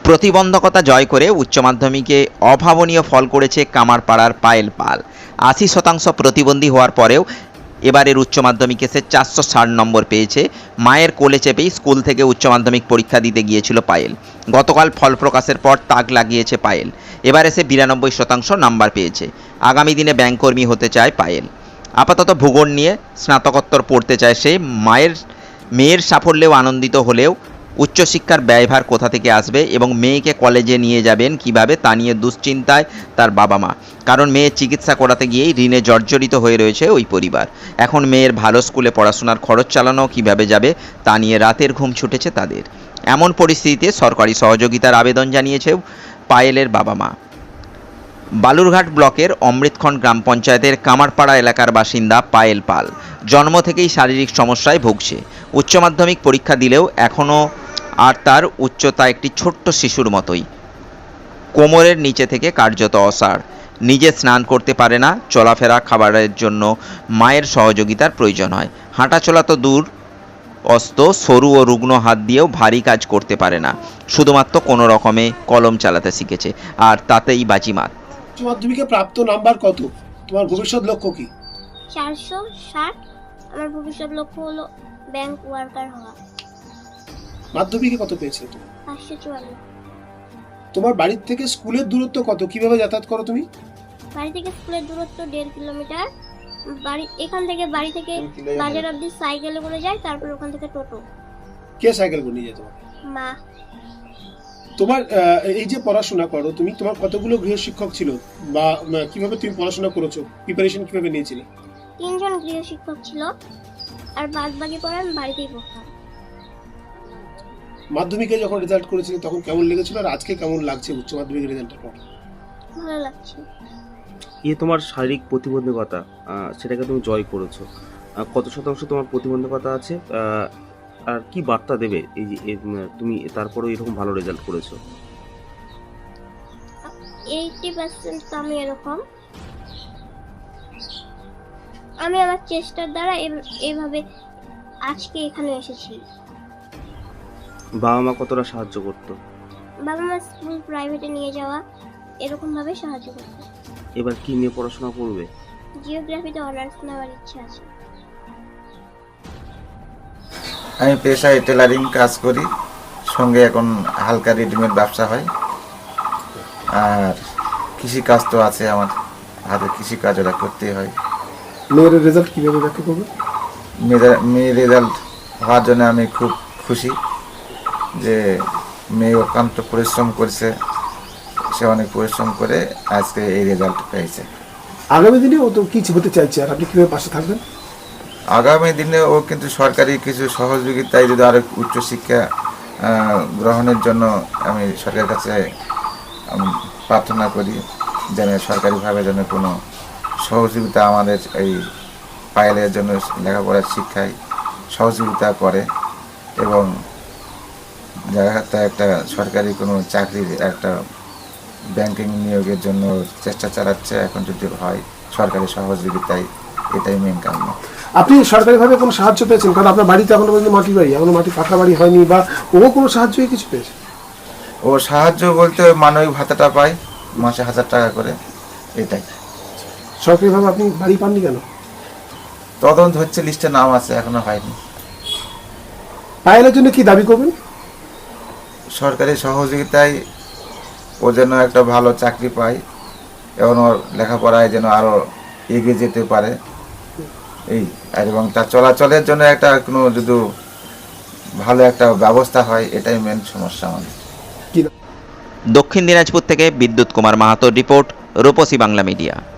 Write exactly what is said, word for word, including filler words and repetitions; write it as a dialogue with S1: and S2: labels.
S1: প্রতিবন্ধকতা জয় করে উচ্চ মাধ্যমিকে অভাবনীয় ফল করেছে কামারপাড়ার পায়েল পাল। আশি শতাংশ প্রতিবন্ধী হওয়ার পরেও এবারের উচ্চ মাধ্যমিকে সে চারশো ষাট নম্বর পেয়েছে। মায়ের কোলে চেপেই স্কুল থেকে উচ্চ মাধ্যমিক পরীক্ষা দিতে গিয়েছিল পায়েল। গতকাল ফল প্রকাশের পর তাক লাগিয়েছে পায়েল। এবারে সে বিরানব্বই শতাংশ নাম্বার পেয়েছে। আগামী দিনে ব্যাংককর্মী হতে চায় পায়েল। আপাতত ভূগোল নিয়ে স্নাতকোত্তর পড়তে চায় সে। মায়ের মেয়ের সাফল্যেও আনন্দিত হলেও উচ্চশিক্ষার ব্যয়ভার কোথা থেকে আসবে এবং মেয়েকে কলেজে নিয়ে যাবেন কিভাবে তা নিয়ে দুশ্চিন্তায় তার বাবা মা। কারণ মেয়ের চিকিৎসা করাতে গিয়েই ঋণে জর্জরিত হয়ে রয়েছে ওই পরিবার। এখন মেয়ের ভালো স্কুলে পড়াশোনার খরচ চালানো কিভাবে যাবে তা নিয়ে রাতের ঘুম ছুটেছে তাদের। এমন পরিস্থিতিতে সরকারি সহযোগিতার আবেদন জানিয়েছে পায়েলের বাবা মা। বালুরঘাট ব্লকের অমৃতখণ্ড গ্রাম পঞ্চায়েতের কামারপাড়া এলাকার বাসিন্দা পায়েল পাল জন্ম থেকেই শারীরিক সমস্যায় ভুগছে। উচ্চ মাধ্যমিক পরীক্ষা দিলেও এখনও আর তার উচ্চতা একটি ছোট্ট শিশুর মতোই। কোমরের নিচে থেকে কার্যত অসাড়। নিজে স্নান করতে পারে না। চলাফেরা খাবারের জন্য মায়ের সহযোগিতার প্রয়োজন হয়। হাঁটাচলা তো দূর অস্ত, সরু ও রুগ্ন হাত দিয়েও ভারী কাজ করতে পারে না। শুধুমাত্র কোনো রকমে কলম চালাতে শিখেছে, আর তাতেই বাজিমাত।
S2: উচ্চ মাধ্যমিকে প্রাপ্ত নাম্বার কত? তোমার ভবিষ্যৎ লক্ষ্য কি?
S3: চারশো ষাট। আমার ভবিষ্যৎ লক্ষ্য হলো ব্যাংক ওয়ার্কার হওয়া।
S2: মাধ্যমিকে কত পেয়েছিলে তুমি?
S3: পাঁচশো চুয়ান্ন।
S2: তোমার বাড়ির থেকে স্কুলের দূরত্ব কত? কিভাবে যাতায়াত করো তুমি?
S3: বাড়ি থেকে স্কুলের দূরত্ব দেড় কিলোমিটার। বাড়ি এখান থেকে বাড়ি থেকে বাজার অবধি সাইকেলে করে যাই, তারপর ওখান থেকে টোটো।
S2: কে সাইকেল করে নিয়ে যায় তোমাকে?
S3: মা।
S2: তোমার এই যে পড়াশোনা করো তুমি, তোমার কতগুলো গৃহশিক্ষক ছিল বা কিভাবে তুমি পড়াশোনা করেছো? প্রিপারেশন কিভাবে নিয়েছিলে?
S3: তিনজন গৃহশিক্ষক ছিল, আর বাদ বাকি পড়া আমি বাড়িতেই পড়তাম।
S2: মাধ্যমিকে যখন রেজাল্ট করেছিলে তখন কেমন লেগেছিল, আর আজকে কেমন লাগছে উচ্চ মাধ্যমিকের রেজাল্টের পর?
S3: ভালো লাগছে।
S4: এ তোমার শারীরিক প্রতিবন্ধকতা, সেটাকে তুমি জয় করেছো। কত শতাংশ তোমার প্রতিবন্ধকতা আছে, আর কি বার্তা দেবে এই যে তুমি তারপরেও এরকম ভালো রেজাল্ট করেছো?
S3: এইটি পার্সেন্ট আমি এরকম আমি আমার চেষ্টার দ্বারা এইভাবে আজকে এখানে এসেছি।
S4: বাবা মা কতটা সাহায্য করতো?
S3: বাবা মা স্কুল প্রাইভেটে নিয়ে যাওয়া এরকম ভাবে সাহায্য করতো।
S4: এবার কি নিয়ে পড়াশোনা করবে?
S3: জিওগ্রাফিতে অনার্স নেওয়ার ইচ্ছা আছে।
S5: আমি পেশায় টেলারিং কাজ করি, সঙ্গে এখন হালকা রেডিমেড ব্যবসা হয়। আর কৃষি কাজ তো আছে, আমার হাতে কৃষি কাজ ওরা করতেই হয়।
S2: মেয়ের রেজাল্ট কিভাবে ব্যাখ্যা করবে?
S5: মেয়ের রেজাল্ট হওয়ার জন্য আমি খুব খুশি যে মেয়ে অত্যন্ত পরিশ্রম করছে, সে অনেক পরিশ্রম করে আজকে এই রেজাল্ট পেয়েছে।
S2: আগামী দিনে ও তো কিছু হতে চাইছে, আর আপনি কিভাবে পাশে থাকবেন?
S5: আগামী দিনে ও কিন্তু সরকারি কিছু সহযোগিতায় যদি আরো উচ্চশিক্ষা গ্রহণের জন্য আমি সরকারের কাছে প্রার্থনা করি যেন সরকারিভাবে যেন কোনো সহযোগিতা আমাদের এই পায়েলের জন্য লেখাপড়ার শিক্ষায় সহযোগিতা করে, এবং জায়গাতে একটা সরকারি কোনো চাকরির একটা ব্যাংকিং নিয়োগের জন্য চেষ্টা চালাচ্ছে। এখন যদি হয় সরকারি সহযোগিতায়, এটাই মেন কারণ।
S2: আপনি সরকারিভাবে কোনো সাহায্য পেয়েছেন? কারণ আপনার বাড়িতে এখনো পর্যন্ত মাটি বাড়ি, এখনো মাটি পাকা বাড়ি হয়নি, বা ও কোনো সাহায্য কিছু পেয়েছে?
S5: ও সাহায্য বলতে মানবিক ভাতাটা পায় মাসে হাজার টাকা করে, এটাই।
S2: সরকারিভাবে আপনি বাড়ি পাননি কেন?
S5: তদন্ত হচ্ছে, লিস্টে নাম আছে, এখনো হয়নি।
S2: পায়েলের জন্য কি দাবি করবেন?
S5: সরকারি সহযোগিতায় ও যেন একটা ভালো চাকরি পায় এবং ওর লেখাপড়ায় যেন আরো এগিয়ে যেতে পারে, এই আর এবং তার চলাচলের জন্য একটা কোনো যদি ভালো একটা ব্যবস্থা হয়, এটাই মেন সমস্যা আমাদের।
S1: দক্ষিণ দিনাজপুর থেকে বিদ্যুৎ কুমার মাহাতোর রিপোর্ট, রূপসী বাংলা মিডিয়া।